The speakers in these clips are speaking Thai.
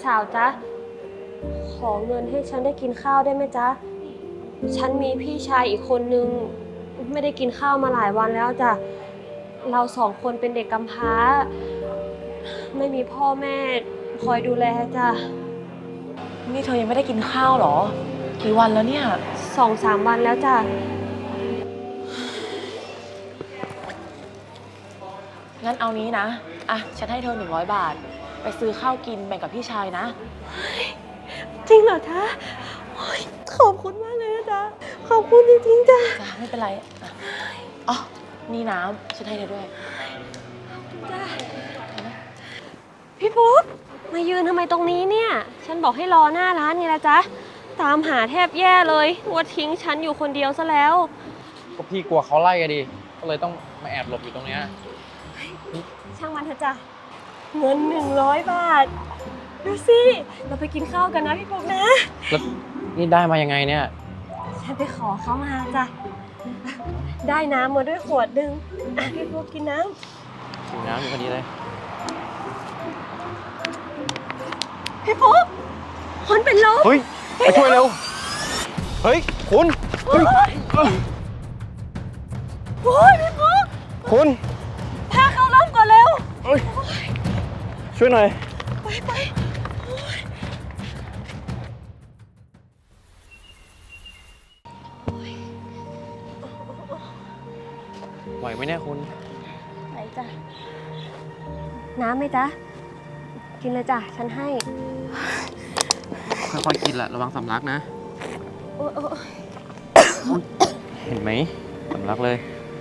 สาวจ๊ะขอเงินให้ฉันได้กินข้าวได้ไหมจ๊ะฉันมีพี่ชายอีกคนนึงไม่ได้กินข้าวมาหลายวันแล้วจ้ะเราสองคนเป็นเด็กกำพร้าไม่มีพ่อแม่คอยดูแลจ้ะนี่เธอยังไม่ได้กินข้าวเหรอกี่วันแล้วเนี่ย 2-3 วันแล้วจ้ะงั้นเอานี้นะฉันให้เธอ100 บาทไปซื้อข้าวกินแบ่งกับพี่ชายนะจริงเหรอจ๊ะขอบคุณมากเลยนะจ๊ะขอบคุณจริงๆจ้ะไม่เป็นไรอ๋อนี่น้ำฉันให้เธอด้วยจ้ะพี่ปุ๊กมายืนทำไมตรงนี้เนี่ยฉันบอกให้รอหน้าร้านไงล่ะจ๊ะตามหาแทบแย่เลยว่าทิ้งฉันอยู่คนเดียวซะแล้วก็พี่กลัวเขาไล่กันดิก็เลยต้องมาแอบหลบอยู่ตรงเนี้ยช่างมันเถอะจ้ะเงิน100 บาทดูสิเราไปกินข้าวกันนะพี่ปุ๊กนะแล้วนี่ได้มายังไงเนี่ยฉันไปขอเขามาจ้ะได้น้ำมาด้วยขวดนึงพี่ปุ๊กกินน้ำกินน้ำอยู่พอดีเลยพี่ปุ๊กคนเป็นลมเฮ้ยไปช่วยเร็วเฮ้ยคุณโอ้ยพี่ปุ๊กคุณพาเขาล้มก่อนเร็วช่วยหน่อยไปไหวไหมเนี่ยคุณไหวจ้ะน้ำไหมจ๊ะกินเลยจ้ะฉันให้ค่อยๆกินแหละระวังสำลักนะเห็นไหมสำลักเลย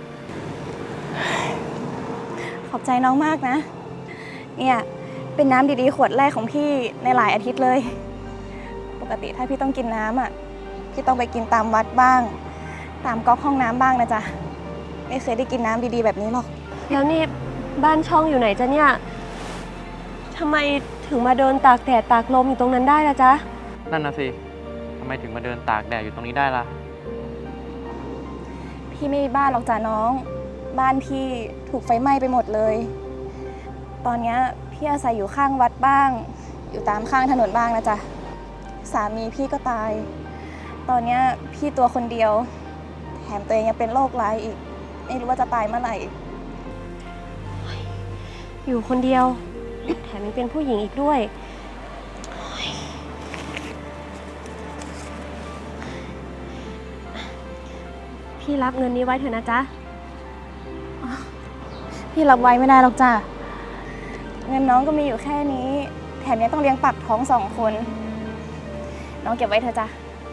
ขอบใจน้องมากนะเนี่ยเป็นน้ำดีๆขวดแรกของพี่ในหลายอาทิตย์เลยปกติถ้าพี่ต้องกินน้ำพี่ต้องไปกินตามวัดบ้างตามก๊อกห้องน้ำบ้างนะจ๊ะไม่เคยได้กินน้ำดีๆแบบนี้หรอกแล้วนี่บ้านช่องอยู่ไหนจ๊ะเนี่ยทำไมถึงมาเดินตากแดดตากลมอยู่ตรงนั้นได้ล่ะจ๊ะนั่นน่ะสิทำไมถึงมาเดินตากแดดอยู่ตรงนี้ได้ล่ะพี่ไม่มีบ้านหรอกจ้ะน้องบ้านพี่ถูกไฟไหม้ไปหมดเลยตอนนี้พี่อาศัยอยู่ข้างวัดบ้างอยู่ตามข้างถนนบ้างนะจ๊ะสามีพี่ก็ตายตอนนี้พี่ตัวคนเดียวแถมตัวเองยังเป็นโรคร้ายอีกไม่รู้ว่าจะตายเมื่อไหร่อยู่คนเดียวแถมยังเป็นผู้หญิงอีกด้วยพี่รับเงินนี้ไว้เถอะนะจ๊ะพี่รับไว้ไม่ได้หรอกจ้ะเงินน้องก็มีอยู่แค่นี้แถมยังต้องเลี้ยงปากท้อง2 คนน้องเก็บไว้เถอะจ้ะ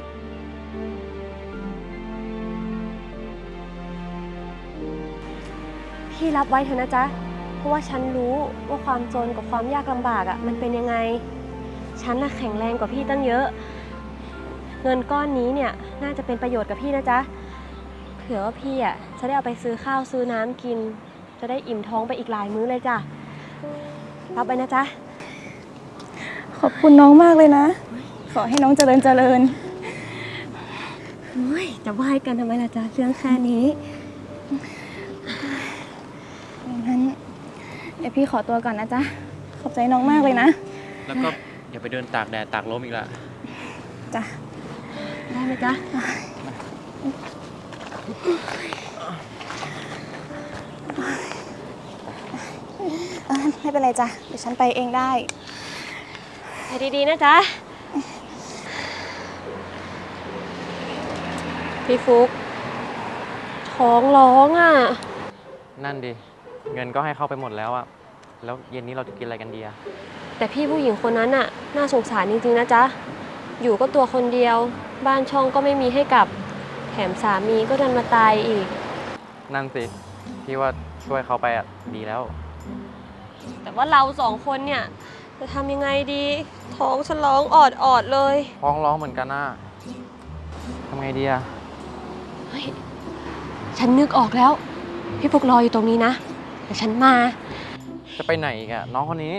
พี่รับไว้เถอะนะจ๊ะเพราะว่าฉันรู้ว่าความจนกับความยากลำบากมันเป็นยังไงฉันแข็งแรงกว่าพี่ตั้งเยอะเงินก้อนนี้เนี่ยน่าจะเป็นประโยชน์กับพี่นะจ๊ะเผื่อว่าพี่จะได้เอาไปซื้อข้าวซื้อน้ำกินจะได้อิ่มท้องไปอีกหลายมื้อเลยจ้ะรับไปนะจ๊ะขอบคุณน้องมากเลยนะขอให้น้องเจริญจะไหว้กันทำไมล่ะจ๊ะเรื่องแค่นี้งั้นเดี๋ยวพี่ขอตัวก่อนนะจ๊ะขอบใจน้องมากเลยนะแล้วก็อย่าไปเดินตากแดดตากลมอีกละจ้ะได้ไหมจ๊ะไม่เป็นไรจ้ะเดี๋ยวฉันไปเองได้ไปดีๆนะจ๊ะพี่ฟุกท้องร้องนั่นดิเงินก็ให้เข้าไปหมดแล้วแล้วเย็นนี้เราจะกินอะไรกันดีแต่พี่ผู้หญิงคนนั้นน่าสงสารจริงๆนะจ๊ะอยู่ก็ตัวคนเดียวบ้านช่องก็ไม่มีให้กลับแถมสามีก็ดันมาตายอีกนั่นสิพี่ว่าช่วยเขาไปดีแล้วแต่ว่าเรา2 คนเนี่ยจะทำยังไงดีท้องฉันร้องออดเลยท้องร้องเหมือนกันทำไงดีเฮ้ยฉันนึกออกแล้วพี่ฟุกรออยู่ตรงนี้นะเดี๋ยวฉันมาจะไปไหนอีกน้องคนนี้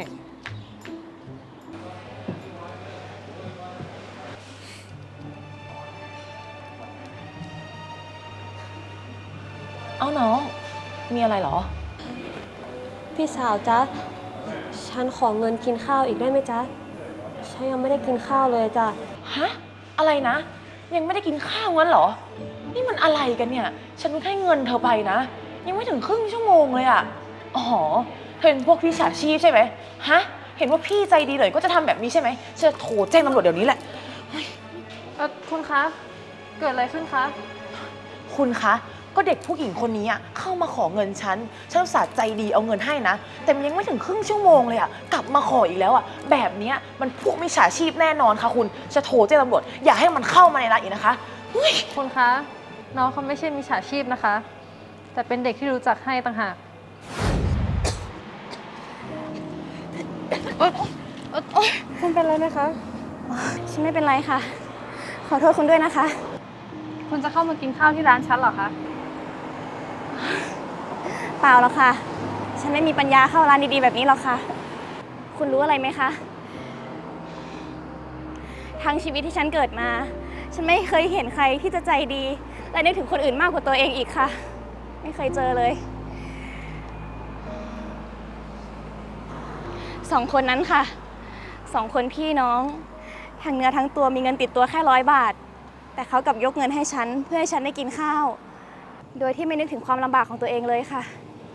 เอาน้องมีอะไรเหรอพี่สาวจ๊ะฉันขอเงินกินข้าวอีกได้ไหมจ๊ะฉันยังไม่ได้กินข้าวเลยจ้ะฮะ อะไรนะ ยังไม่ได้กินข้าวงั้นเหรอ นี่มันอะไรกันเนี่ย ฉันเพิ่งให้เงินเธอไปนะ ยังไม่ถึงครึ่งชั่วโมงเลยอะอ๋อเธอเป็นพวกมิจฉาชีพใช่ไหมฮะ เห็นว่าพี่ใจดีเลยก็จะทำแบบนี้ใช่ไหมฉันจะโทรแจ้งตำรวจเดี๋ยวนี้แหละคุณคะ เกิดอะไรขึ้นคะคุณคะ ก็เด็กผู้หญิงคนนี้อะเข้ามาขอเงินฉันอุตส่าห์ใจดีเอาเงินให้นะ แต่มันยังไม่ถึงครึ่งชั่วโมงเลยอะกลับมาขออีกแล้วอะแบบเนี้ยมันพวกมิจฉาชีพแน่นอนค่ะคุณ จะโทรแจ้งตำรวจอย่าให้มันเข้ามาในร้านอีกนะคะเฮ้ยคุณคะ น้องเขาไม่ใช่มิจฉาชีพนะคะ แต่เป็นเด็กที่รู้จักให้ต่างหาก คุณเป็นอะไรไหมคะฉันไม่เป็นไรค่ะ ขอโทษคุณด้วยนะคะคุณจะเข้ามากินข้าวที่ร้านฉันเหรอคะเปล่าหรอกค่ะ ฉันไม่มีปัญญาเข้าร้านดีๆแบบนี้หรอกค่ะ คุณรู้อะไรไหมคะ ทั้งชีวิตที่ฉันเกิดมา ฉันไม่เคยเห็นใครที่จะใจดี และนึกถึงคนอื่นมากกว่าตัวเองอีกค่ะ ไม่เคยเจอเลยสองคนนั้นค่ะสองคนพี่น้องทั้งเนื้อทั้งตัวมีเงินติดตัวแค่100 บาท แต่เขากลับยกเงินให้ฉันเพื่อให้ฉันได้กินข้าว โดยที่ไม่นึกถึงความลำบากของตัวเองเลยค่ะ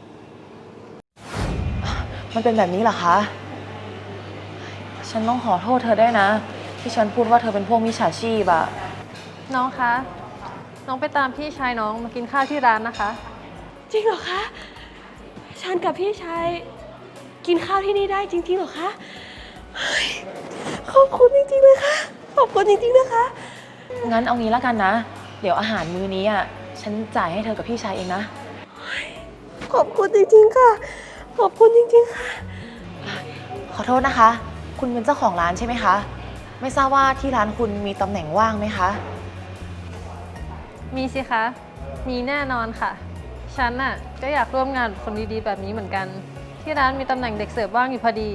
มันเป็นแบบนี้เหรอคะ ฉันต้องขอโทษเธอด้วยนะ ที่ฉันพูดว่าเธอเป็นพวกมิจฉาชีพอะน้องคะ น้องไปตามพี่ชายน้องมากินข้าวที่ร้านนะคะจริงเหรอคะ ฉันกับพี่ชายกินข้าวที่นี่ได้จริงๆเหรอคะเฮ้ยขอบคุณจริงๆเลยค่ะ ขอบคุณจริงๆนะคะงั้นเอางี้แล้วกันนะ เดี๋ยวอาหารมื้อนี้อะฉันจ่ายให้เธอกับพี่ชายเองนะขอบคุณจริงๆค่ะ ขอบคุณจริงๆค่ะขอโทษนะคะ คุณเป็นเจ้าของร้านใช่ไหมคะ ไม่ทราบว่าที่ร้านคุณมีตำแหน่งว่างไหมคะมีสิคะ มีแน่นอนค่ะ ฉันน่ะก็อยากร่วมงานกับคนดีๆแบบนี้เหมือนกัน ที่ร้านมีตำแหน่งเด็กเสิร์ฟว่างอยู่พอดี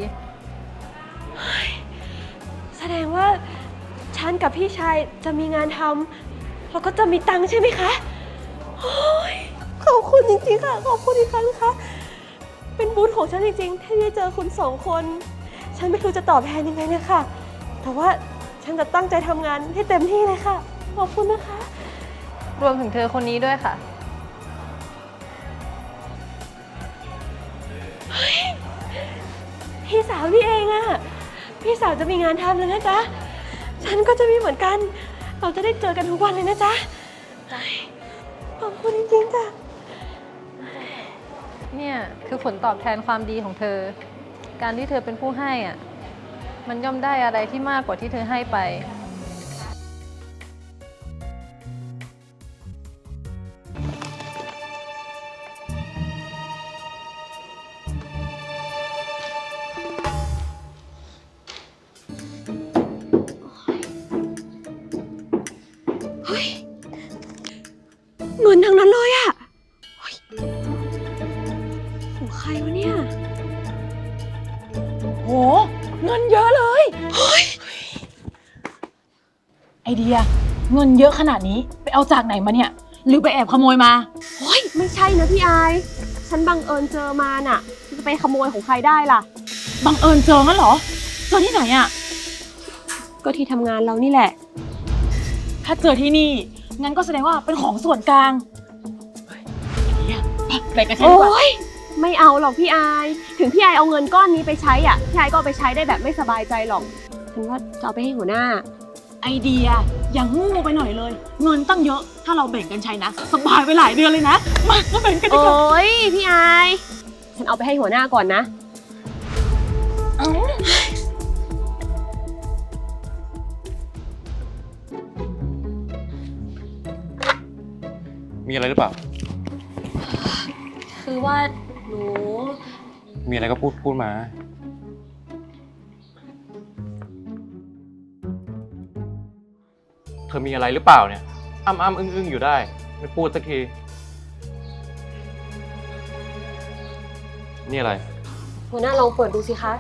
แสดงว่าฉันกับพี่ชายจะมีงานทำแล้วก็จะมีตังค์ใช่ไหมคะโอ้ยขอบคุณจริงๆค่ะ ขอบคุณอีกครั้งนะคะ เป็นบุญของฉันจริงๆที่ได้เจอคุณสองคน ฉันไม่รู้จะตอบแทนยังไงเลยค่ะ แต่ว่าฉันจะตั้งใจทำงานให้เต็มที่เลยค่ะ ขอบคุณนะคะรวมถึงเธอคนนี้ด้วยค่ะพี่สาวนี่เองอะพี่สาวจะมีงานทำแล้วนะจ๊ะ ฉันก็จะมีเหมือนกัน เราจะได้เจอกันทุกวันเลยนะจ๊ะขอบคุณจริงๆจ้ะเนี่ยคือผลตอบแทนความดีของเธอ การที่เธอเป็นผู้ให้อ่ะ มันย่อมได้อะไรที่มากกว่าที่เธอให้ไปเงินทั้งนั้นเลยอะเฮ้ยของใครวะเนี่ยโห เงินเยอะเลยไอเดียเงินเยอะขนาดนี้ไปเอาจากไหนมาเนี่ย หรือไปแอบขโมยมาโอ้ยไม่ใช่นะพี่อาย ฉันบังเอิญเจอมาน่ะจะไปขโมยของใครได้ล่ะบังเอิญเจองั้นเหรอเจอที่ไหนอะก็ที่ทำงานเรานี่แหละถ้าเจอที่นี่งั้นก็แสดงว่าเป็นของส่วนกลางเฮ้ยไอเดียไปกันฉันดีกว่าโอ๊ยไม่เอาหรอกพี่อาย ถึงพี่อายเอาเงินก้อนนี้ไปใช้อ่ะ พี่อายก็เอาไปใช้ได้แบบไม่สบายใจหรอก ฉันว่าจะเอาไปให้หัวหน้าไอเดียอย่างงูไปหน่อยเลย เงินตั้งเยอะถ้าเราแบ่งกันใช้นะสบายไปหลายเดือนเลยนะมาแบ่งกันดีโอกว่า้ยพี่อาย ฉันเอาไปให้หัวหน้าก่อนนะมีอะไรหรือเปล่าคือว่าหนูมีอะไรก็พูดมา เธอมีอะไรหรือเปล่าเนี่ย อ้ำอึ้งอยู่ได้ ไม่พูดสักที นี่อะไรหัวหน้าลองเปิดดูสิคะ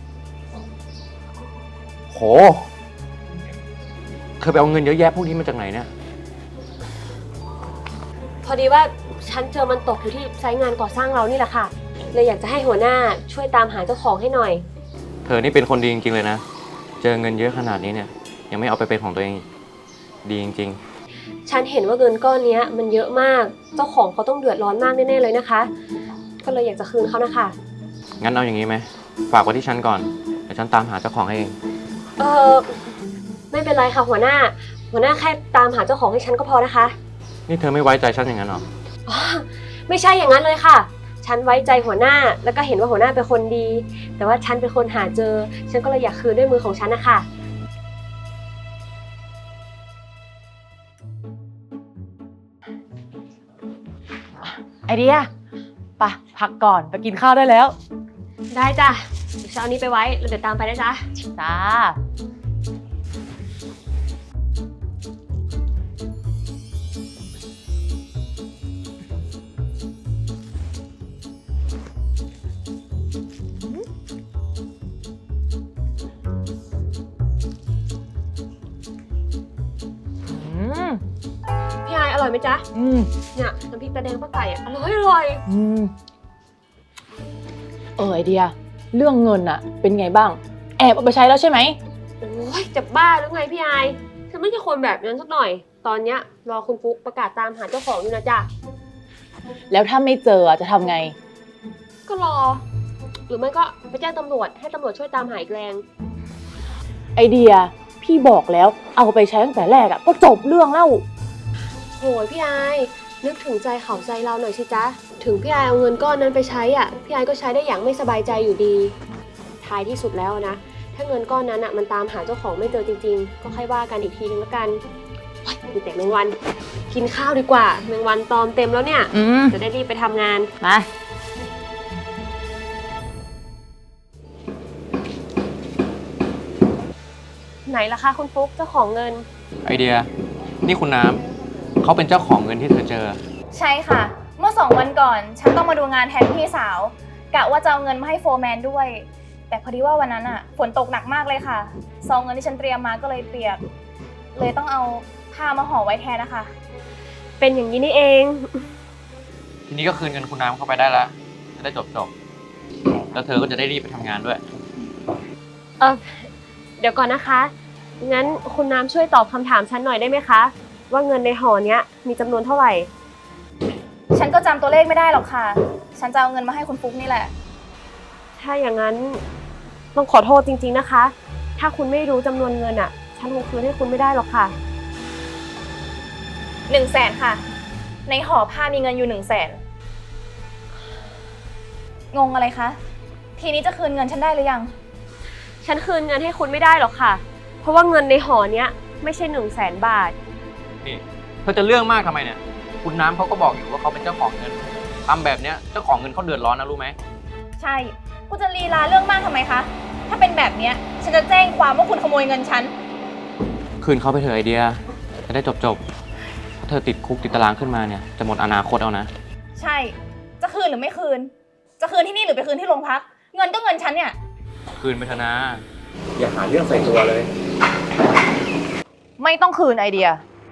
โห เธอไปเอาเงินเยอะแยะพวกนี้มาจากไหนเนี่ยพอดีว่าฉันเจอมันตกอยู่ที่ไซต์งานก่อสร้างเรานี่แหละค่ะ เลยอยากจะให้หัวหน้าช่วยตามหาเจ้าของให้หน่อยเธอนี่เป็นคนดีจริงๆเลยนะเจอเงินเยอะขนาดนี้เนี่ยยังไม่เอาไปเป็นของตัวเองดีจริงฉันเห็นว่าเงินก้อนเนี้ยมันเยอะมาก เจ้าของเขาต้องเดือดร้อนมากแน่ๆเลยนะคะ ก็เลยอยากจะคืนเขานะคะๆ งั้นเอาอย่างนี้ไหมฝากไว้ที่ฉันก่อนเดี๋ยวฉันตามหาเจ้าของให้เองเออไม่เป็นไรค่ะหัวหน้าแค่ตามหาเจ้าของให้ฉันก็พอนะคะนี่เธอไม่ไว้ใจฉันอย่างนั้นหรออ๋อไม่ใช่อย่างนั้นเลยค่ะ ฉันไว้ใจหัวหน้าแล้วก็เห็นว่าหัวหน้าเป็นคนดี แต่ว่าฉันเป็นคนหาเจอ ฉันก็เลยอยากคืนด้วยมือของฉันนะคะไอเดียไปพักก่อนไปกินข้าวได้แล้วได้จ้ะเดี๋ยวฉันเอานี้ไปไว้แล้วเดี๋ยวตามไปนะจ๊ะจ้าพี่ไอายอร่อยไหมจ๊ะ เนี่ยน้ำพริกตาแดงป้าไก่อะอร่อยไอเดีย เรื่องเงินอะเป็นไงบ้าง แอบเอาไปใช้แล้วใช่ไหมโอ้ยจะบ้าหรือไงพี่ไอายฉันไม่ใช่คนแบบนั้นสักหน่อย ตอนเนี้ยรอคุณฟุกประกาศตามหาเจ้าของอยู่นะจ๊ะแล้วถ้าไม่เจอจะทำไงก็รอ หรือไม่ก็ไปแจ้งตำรวจให้ตำรวจช่วยตามหาอีกแรงไอเดีย พี่บอกแล้วเอาไปใช้ตั้งแต่แรกอะก็จบเรื่องแล้วโหยพี่ไอายนึกถึงใจเขาใจเราหน่อยสิจ๊ะ ถึงพี่ไอายเอาเงินก้อนนั้นไปใช้อ่ะ พี่ไอายก็ใช้ได้อย่างไม่สบายใจอยู่ดี ท้ายที่สุดแล้วนะ ถ้าเงินก้อนนั้นอ่ะมันตามหาเจ้าของไม่เจอจริงๆ ก็ค่อยว่ากันอีกทีนึงแล้วกันโอ๊ยมีแต่แมงวัน กินข้าวดีกว่า แมงวันตอมเต็มแล้วเนี่ย จะได้รีบไปทำงานมาไหนล่ะคะคุณฟุ๊กเจ้าของเงินไอเดีย นี่คุณน้ำเขาเป็นเจ้าของเงินที่เธอเจอใช่ค่ะ เมื่อ2 วันก่อน ฉันต้องมาดูงานแทนพี่สาว กะว่าจะเอาเงินมาให้โฟร์แมนด้วย แต่พอดีว่าวันนั้นอะฝนตกหนักมากเลยค่ะซองเงินที่ฉันเตรียมมาก็เลยเปียก เลยต้องเอาผ้ามาห่อไว้แทนนะคะเป็นอย่างนี้นี่เองทีนี้ก็คืนเงินคุณน้ำเข้าไปได้แล้วจะได้จบแล้วเธอก็จะได้รีบไปทำงานด้วยเดี๋ยวก่อนนะคะ งั้นคุณน้ำช่วยตอบคำถามฉันหน่อยได้ไหมคะ ว่าเงินในห่อเนี้ยมีจำนวนเท่าไหร่ฉันก็จำตัวเลขไม่ได้หรอกค่ะ ฉันจะเอาเงินมาให้คุณฟุ๊กนี่แหละถ้าอย่างนั้นต้องขอโทษจริงๆนะคะ ถ้าคุณไม่รู้จำนวนเงินอ่ะ ฉันคงคืนให้คุณไม่ได้หรอกค่ะ 100,000ค่ะ ในห่อผ้ามีเงินอยู่100,000งงอะไรคะ ทีนี้จะคืนเงินฉันได้หรือยังฉันคืนเงินให้คุณไม่ได้หรอกค่ะ เพราะว่าเงินในห่อเนี้ยไม่ใช่100,000 บาทนี่เธอจะเรื่องมากทำไมเนี่ย คุณน้ำเขาก็บอกอยู่ว่าเขาเป็นเจ้าของเงินทำแบบเนี้ยเจ้าของเงินเขาเดือดร้อนนะรู้ไหมใช่คุณจะลีลาเรื่องมากทำไมคะ ถ้าเป็นแบบเนี้ยฉันจะแจ้งความว่าคุณขโมยเงินฉันคืนเขาไปเถอะไอเดียจะได้จบถ้าเธอติดคุกติดตารางขึ้นมาเนี่ยจะหมดอนาคตเอานะใช่ จะคืนหรือไม่คืน จะคืนที่นี่หรือไปคืนที่โรงพัก เงินก็เงินฉันเนี่ยคืนไปเถอะนะ อย่าหาเรื่องใส่ตัวเลยไม่ต้องคืนไอเดีย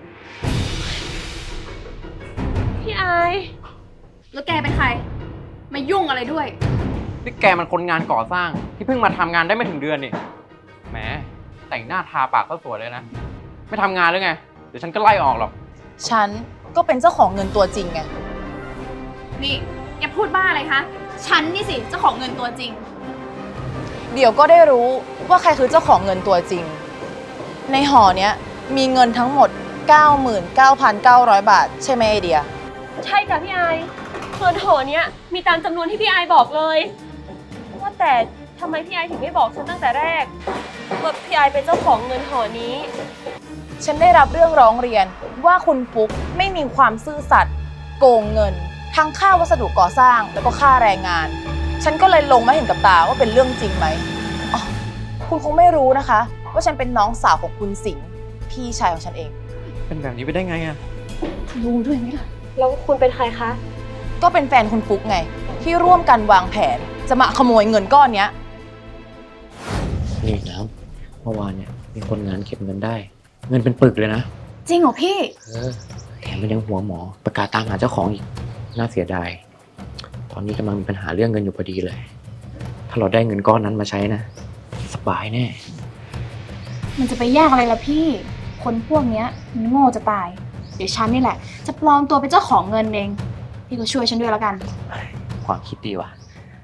พี่ไอายแล้วแกเป็นใคร มายุ่งอะไรด้วยนี่แกมันคนงานก่อสร้างที่เพิ่งมาทำงานได้ไม่ถึงเดือนนี่แหมแต่งหน้าทาปากก็สวยเลยนะ ไม่ทำงานหรือไง เดี๋ยวฉันก็ไล่ออกหรอกฉันก็เป็นเจ้าของเงินตัวจริงไงนี่อย่าพูดบ้าอะไรคะ ฉันนี่สิเจ้าของเงินตัวจริงเดี๋ยวก็ได้รู้ว่าใครคือเจ้าของเงินตัวจริง ในห่อเนี้ยมีเงินทั้งหมด 99,900 บาท ใช่ไหมไอเดียใช่จ้ะพี่ไอายเงินห่อเนี้ยมีตามจำนวนที่พี่ไอายบอกเลย ว่าแต่ทำไมพี่ไอายถึงไม่บอกฉันตั้งแต่แรกว่าพี่ไอายเป็นเจ้าของเงินห่อนี้ฉันได้รับเรื่องร้องเรียนว่าคุณฟุ๊กไม่มีความซื่อสัตย์โกงเงิน ทั้งค่าวัสดุก่อสร้างแล้วก็ค่าแรงงาน ฉันก็เลยลงมาเห็นกับตาว่าเป็นเรื่องจริงไหมอ๋อคุณคงไม่รู้นะคะ ว่าฉันเป็นน้องสาวของคุณสิงห์พี่ชายของฉันเองเป็นแบบนี้ไปได้ไงอะรู้ด้วยไหมล่ะแล้วคุณเป็นใครคะก็เป็นแฟนคุณฟุ๊กไง ที่ร่วมกันวางแผนจะมาขโมยเงินก้อนเนี้ยนี่น้ำเมื่อวานเนี่ยมีคนงานเก็บเงินได้ เงินเป็นปึกเลยนะจริงเหรอพี่แถมมันยังหัวหมอประกาศตามหาเจ้าของอีก น่าเสียดาย ตอนนี้กำลังมีปัญหาเรื่องเงินอยู่พอดีเลย ถ้าเราได้เงินก้อนนั้นมาใช้นะ สบายแน่มันจะไปยากอะไรล่ะพี่ คนพวกเนี้ยมันโง่จะตาย เดี๋ยวฉันนี่แหละ จะปลอมตัวเป็นเจ้าของเงินเอง พี่ก็ช่วยฉันด้วยแล้วกันความคิดดีว่ะ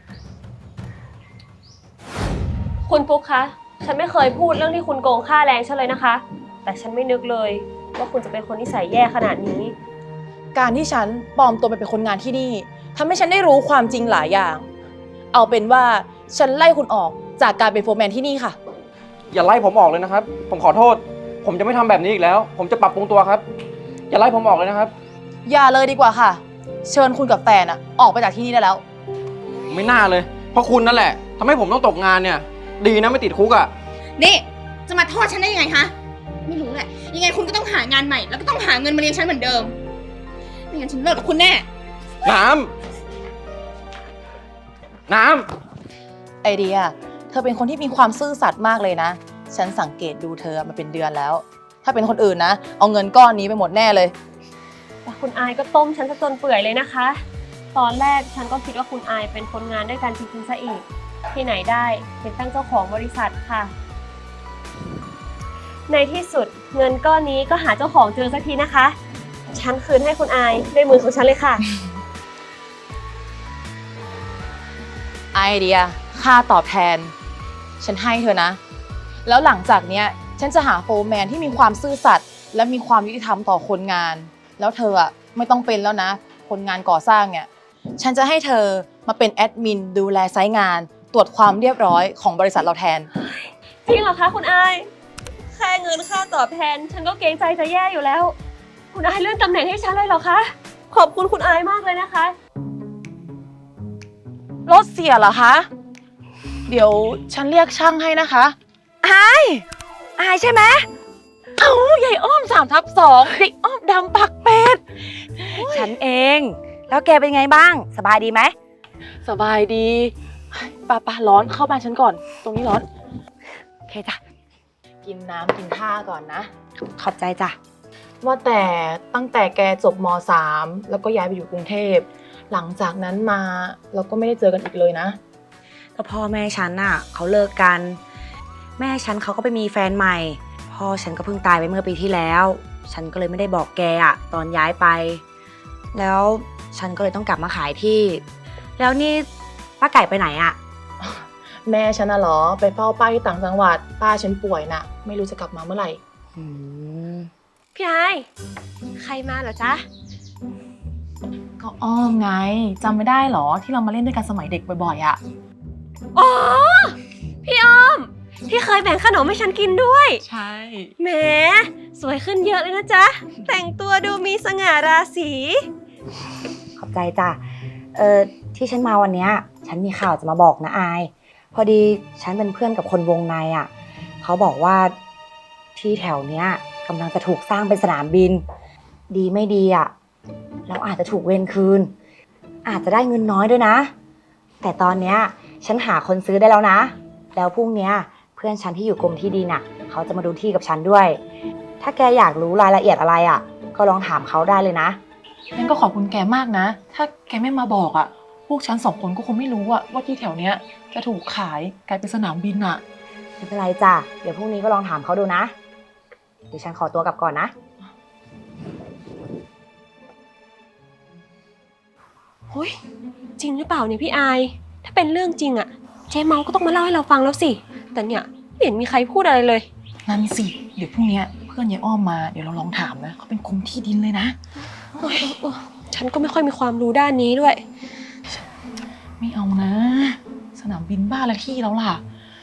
คุณปุ๊กคะ ฉันไม่เคยพูดเรื่องที่คุณโกงค่าแรงฉันเลยนะคะ แต่ฉันไม่นึกเลยว่าคุณจะเป็นคนนิสัยแย่ขนาดนี้การที่ฉันปลอมตัวไปเป็นคนงานที่นี่ทำให้ฉันได้รู้ความจริงหลายอย่าง เอาเป็นว่าฉันไล่คุณออกจากการเป็นโฟร์แมนที่นี่ค่ะอย่าไล่ผมออกเลยนะครับ ผมขอโทษ ผมจะไม่ทำแบบนี้อีกแล้ว ผมจะปรับปรุงตัวครับ อย่าไล่ผมออกเลยนะครับอย่าเลยดีกว่าค่ะ เชิญคุณกับแฟนออกไปจากที่นี่ได้แล้วไม่น่าเลย เพราะคุณนั่นแหละทำให้ผมต้องตกงานเนี่ย ดีนะไม่ติดคุกอ่ะนี่ จะมาโทษฉันได้ยังไงคะไม่รู้แหละ ยังไงคุณก็ต้องหางานใหม่ แล้วก็ต้องหาเงินมาเลี้ยงฉันเหมือนเดิม ไม่งั้นฉันเลิกกับคุณแน่น้ำไอเดีย เธอเป็นคนที่มีความซื่อสัตย์มากเลยนะ ฉันสังเกตดูเธอมาเป็นเดือนแล้ว ถ้าเป็นคนอื่นนะ เอาเงินก้อนนี้ไปหมดแน่เลยแต่คุณอายก็ต้มฉันซะจนเปื่อยเลยนะคะ ตอนแรกฉันก็คิดว่าคุณอายเป็นคนงานด้วยกันจริงๆซะอีก ที่ไหนได้เป็นตั้งเจ้าของบริษัทค่ะ ในที่สุดเงินก้อนนี้ก็หาเจ้าของเจอสักทีนะคะ ฉันคืนให้คุณอายด้วยมือของฉันเลยค่ะไอเดีย ค่าตอบแทน ฉันให้เธอนะ แล้วหลังจากเนี้ย ฉันจะหาโฟร์แมนที่มีความซื่อสัตย์และมีความยุติธรรมต่อคนงาน แล้วเธอไม่ต้องเป็นแล้วนะ คนงานก่อสร้างเนี่ย ฉันจะให้เธอมาเป็นแอดมินดูแลไซต์งาน ตรวจความเรียบร้อยของบริษัทเราแทนจริงเหรอคะคุณอาย แค่เงินค่าตอบแทน ฉันก็เกรงใจจะแย่อยู่แล้ว คุณอายเลื่อนตำแหน่งให้ฉันเลยเหรอคะ ขอบคุณคุณอายมากเลยนะคะรถเสียเหรอคะ เดี๋ยวฉันเรียกช่างให้นะคะอายใช่ไหมเอ้าใหญ่อ้อม3/2เด็กอ้อมดำปักเป็ดฉันเอง แล้วแกเป็นไงบ้าง สบายดีไหมสบายดีป้าร้อนเข้าบ้านฉันก่อน ตรงนี้ร้อนโอเคจ้ะกินน้ำกินท่าก่อนนะขอบใจจ้ะว่าแต่ตั้งแต่แกจบม.3 แล้วก็ย้ายไปอยู่กรุงเทพ หลังจากนั้นมาเราก็ไม่ได้เจอกันอีกเลยนะก็พ่อแม่ฉันน่ะเขาเลิกกัน แม่ฉันเขาก็ไปมีแฟนใหม่ พ่อฉันก็เพิ่งตายไปเมื่อปีที่แล้ว ฉันก็เลยไม่ได้บอกแกตอนย้ายไป แล้วฉันก็เลยต้องกลับมาขายที่ แล้วนี่ป้าไก่ไปไหนอะแม่ฉันน่ะเหรอไปเฝ้าป้าที่ต่างจังหวัดป้าฉันป่วยน่ะ ไม่รู้จะกลับมาเมื่อไหร่อืมพี่อาย ใครมาเหรอจ๊ะก็อ้อมไงจำไม่ได้เหรอที่เรามาเล่นด้วยกันสมัยเด็กบ่อยๆอะอ๋อ พี่อ้อม ที่เคยแบ่งขนมให้ฉันกินด้วยใช่แหม สวยขึ้นเยอะเลยนะจ๊ะ แต่งตัวดูมีสง่าราศีขอบใจจ้ะ ที่ฉันมาวันเนี้ยฉันมีข่าวจะมาบอกนะอาย พอดีฉันเป็นเพื่อนกับคนวงในเขาบอกว่าที่แถวเนี้ยกำลังจะถูกสร้างเป็นสนามบิน ดีไม่ดีเราอาจจะถูกเวรคืน อาจจะได้เงินน้อยด้วยนะ แต่ตอนเนี้ยฉันหาคนซื้อได้แล้วนะ แล้วพรุ่งเนี้ยเพื่อนฉันที่อยู่กรมที่ดินเขาจะมาดูที่กับฉันด้วย ถ้าแกอยากรู้รายละเอียดอะไรก็ลองถามเขาได้เลยนะงั้นก็ขอบคุณแกมากนะ ถ้าแกไม่มาบอกพวกฉัน2 คนก็คงไม่รู้ว่าที่แถวเนี้ยจะถูกขายกลายเป็นสนามบินอะไม่เป็นไรจ้ะ เดี๋ยวพรุ่งนี้ก็ลองถามเขาดูนะ เดี๋ยวฉันขอตัวกลับก่อนนะเฮ้ย จริงหรือเปล่าเนี่ยพี่อาย ถ้าเป็นเรื่องจริงเจ๊เมาก็ต้องมาเล่าให้เราฟังแล้วสิ แต่เนี่ยไม่เห็นมีใครพูดอะไรเลยนั่นสิเดี๋ยวพรุ่งเนี้ยเพื่อนยายอ้อมมาเดี๋ยวเราลองถามนะเขาเป็นกรมที่ดินเลยนะฉันก็ไม่ค่อยมีความรู้ด้านนี้ด้วยไม่เอานะ สนามบินบ้านละที่แล้วล่ะ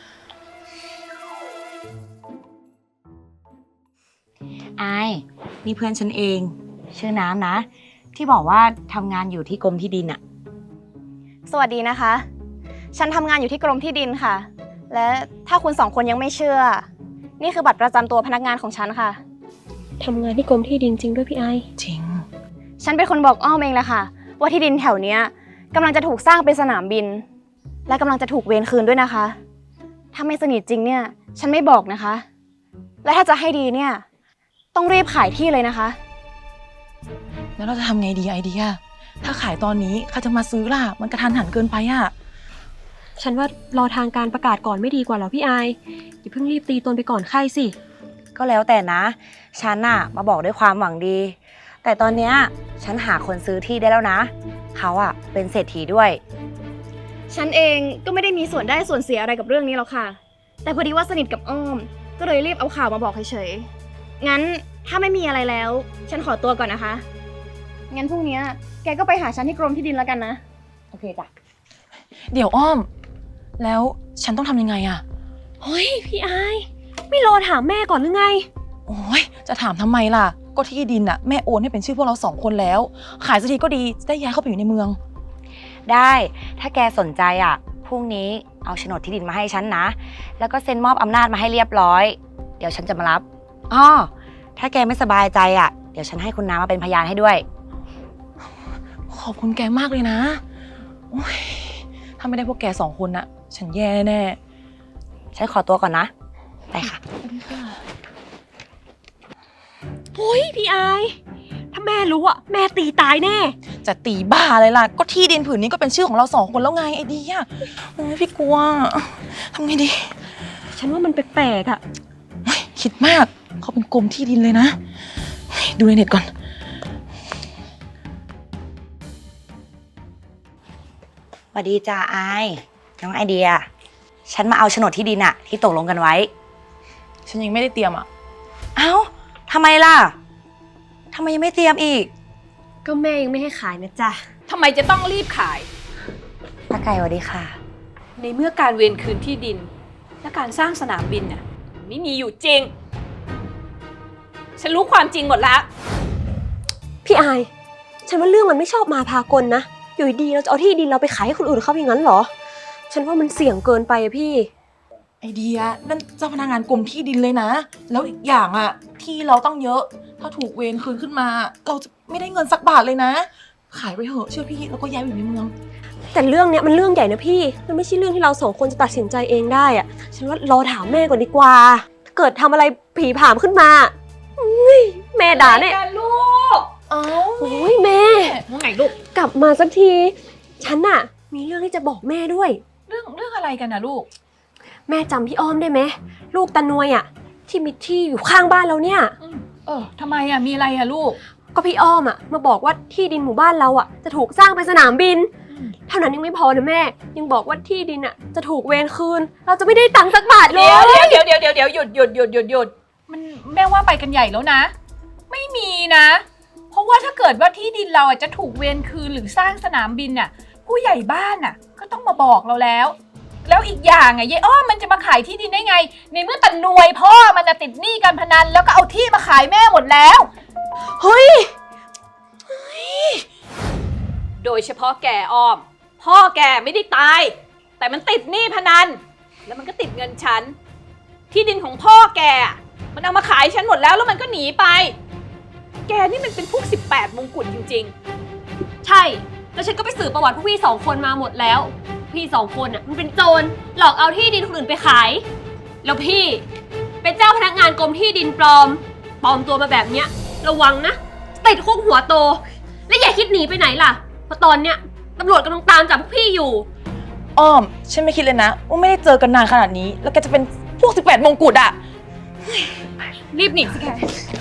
อายนี่เพื่อนฉันเอง ชื่อน้ำนะ ที่บอกว่าทำงานอยู่ที่กรมที่ดินสวัสดีนะคะ ฉันทำงานอยู่ที่กรมที่ดินค่ะ และถ้าคุณ2 คนยังไม่เชื่อ นี่คือบัตรประจำตัวพนักงานของฉันค่ะทำงานที่กรมที่ดินจริงด้วยพี่ไอจริงฉันเป็นคนบอกอ้อมเองแหละค่ะ ว่าที่ดินแถวเนี้ยกำลังจะถูกสร้างเป็นสนามบิน และกำลังจะถูกเวรคืนด้วยนะคะ ถ้าไม่สนิทจริงเนี่ย ฉันไม่บอกนะคะ และถ้าจะให้ดีเนี่ย ต้องรีบขายที่เลยนะคะแล้วเราจะทำไงดีไอเดีย ถ้าขายตอนนี้ใครจะมาซื้อล่ะ มันกระทันหันเกินไปฉันว่ารอทางการประกาศก่อนไม่ดีกว่าเหรอพี่อายอย่าเพิ่งรีบตีตนไปก่อนใครสิก็แล้วแต่นะ ฉันน่ะมาบอกด้วยความหวังดี แต่ตอนเนี้ยฉันหาคนซื้อที่ได้แล้วนะ เขาอะเป็นเศรษฐีด้วยฉันเองก็ไม่ได้มีส่วนได้ส่วนเสียอะไรกับเรื่องนี้หรอกค่ะ แต่พอดีว่าสนิทกับอ้อม ก็เลยรีบเอาข่าวมาบอกเฉยๆ งั้นถ้าไม่มีอะไรแล้ว ฉันขอตัวก่อนนะคะ งั้นพรุ่งนี้แกก็ไปหาฉันที่กรมที่ดินแล้วกันนะโอเคจ้ะเดี๋ยวอ้อม แล้วฉันต้องทำยังไงอะเฮ้ยพี่อายไม่รอถามแม่ก่อนหรือไงโอ้ยจะถามทำไมล่ะ ก็ที่ดินอะแม่โอนให้เป็นชื่อพวกเรา2 คนแล้ว ขายสักทีก็ดีจะได้ย้ายเข้าไปอยู่ในเมืองได้ ถ้าแกสนใจอะพรุ่งนี้เอาโฉนดที่ดินมาให้ฉันนะ แล้วก็เซ็นมอบอำนาจมาให้เรียบร้อย เดี๋ยวฉันจะมารับอ้อถ้าแกไม่สบายใจอะเดี๋ยวฉันให้คุณน้ามาเป็นพยานให้ด้วยขอบคุณแกมากเลยนะโอ้ยถ้าไม่ได้พวกแก2 คนอะฉันแย่แน่ฉันขอตัวก่อนนะ ไปค่ะเฮ้ยพี่อายถ้าแม่รู้อะแม่ตีตายแน่จะตีบ้าเลยล่ะ ก็ที่ดินผืนนี้ก็เป็นชื่อของเรา2 คนแล้วไงไอเดียโอ้ยพี่กลัวทำไงดีฉันว่ามันแปลกๆอะโอ้ยคิดมากเขาเป็นกรมที่ดินเลยนะเฮ้ยดูในเน็ตก่อนสวัสดีจ้าไอายน้องไอเดีย ฉันมาเอาโฉนดที่ดินอะที่ตกลงกันไว้ฉันยังไม่ได้เตรียมอะเอ้าทำไมล่ะทำไมยังไม่เตรียมอีกก็แม่ยังไม่ให้ขายนะจ๊ะทำไมจะต้องรีบขายป้าไก่สวัสดีค่ะในเมื่อการเวียนคืนที่ดิน และการสร้างสนามบินน่ะไม่มีอยู่จริง ฉันรู้ความจริงหมดแล้วพี่อายฉันว่าเรื่องมันไม่ชอบมาพากลนะอยู่ดีๆเราจะเอาที่ดินเราไปขายให้คนอื่นเขาอย่างนั้นเหรอ ฉันว่ามันเสี่ยงเกินไปอะพี่ไอเดียนั่นเจ้าพนักงานกรมที่ดินเลยนะ แล้วอีกอย่างอะที่เราต้องเยอะ ถ้าถูกเวรคืนขึ้นมา เราจะไม่ได้เงินสักบาทเลยนะ ขายไปเถอะเชื่อพี่แล้วก็ย้ายไปอยู่ในเมืองแต่เรื่องเนี้ยมันเรื่องใหญ่นะพี่ มันไม่ใช่เรื่องที่เรา2 คนจะตัดสินใจเองได้อะฉันว่ารอถามแม่ก่อนดีกว่า ถ้าเกิดทำอะไรผีผามขึ้นมาอุ๊ยแม่ด่าเนี่ยกันลูกเอ้าโอ้ยแม่ว่าไงลูกกลับมาสักที ฉันน่ะมีเรื่องที่จะบอกแม่ด้วยเรื่องอะไรกันนะลูกแม่จำพี่อ้อมได้ไหมลูกตานวยอ่ะที่มีที่อยู่ข้างบ้านเราเนี่ยทำไมอ่ะ มีอะไรอ่ะลูกก็พี่อ้อมอ่ะมาบอกว่าที่ดินหมู่บ้านเราอ่ะจะถูกสร้างเป็นสนามบิน เท่านั้นยังไม่พอนะแม่ ยังบอกว่าที่ดินอ่ะจะถูกเวรคืน เราจะไม่ได้ตังค์สักบาทเลยเดี๋ยวหยุดมันแม่ว่าไปกันใหญ่แล้วนะ ไม่มีนะ เพราะว่าถ้าเกิดว่าที่ดินเราอ่ะจะถูกเวรคืนหรือสร้างสนามบินน่ะ ผู้ใหญ่บ้านน่ะก็ต้องมาบอกเราแล้ว แล้วอีกอย่างอ่ะยายอ้อมมันจะมาขายที่ดินได้ไง ในเมื่อตะนวยพ่อมันจะติดหนี้การพนันแล้วก็เอาที่มาขายแม่หมดแล้วเฮ้ยโดยเฉพาะแกอ้อม พ่อแกไม่ได้ตาย แต่มันติดหนี้พนัน แล้วมันก็ติดเงินฉัน ที่ดินของพ่อแกอะมันเอามาขายฉันหมดแล้วแล้วมันก็หนีไป แกนี่มันเป็นพวก18 มงกุฎจริงใช่ แล้วฉันก็ไปสืบประวัติพวกพี่2 คนมาหมดแล้ว พี่2 คนอ่ะมันเป็นโจรหลอกเอาที่ดินคนอื่นไปขาย แล้วพี่เป็นเจ้าพนักงานกรมที่ดินปลอมตัวมาแบบเนี้ยระวังนะติดคุกหัวโต และอย่าคิดหนีไปไหนล่ะเพราะตอนเนี้ยตำรวจกำลังตามจับพวกพี่อยู่อ้อมฉันไม่คิดเลยนะว่าไม่ได้เจอกันนานขนาดนี้ แล้วแกจะเป็นพวก18 มงกุฎอะๆ รีบหนีสิแก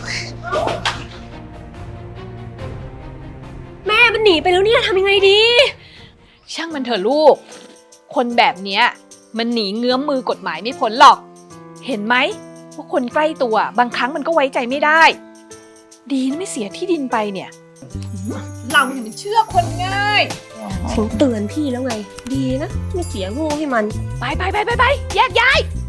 แม่มันหนีไปแล้วเนี่ยทำยังไงดีช่างมันเถอะลูก คนแบบเนี้ยมันหนีเงื้อมมือกฎหมายไม่พ้นหรอก เห็นไหมว่าคนใกล้ตัวบางครั้งมันก็ไว้ใจไม่ได้ ดีนะไม่เสียที่ดินไปเนี่ย เราเนี่ยมันเชื่อคนง่ายฉันเตือนพี่แล้วไง ดีนะไม่เสียโง่ให้มันไปแยกย้าย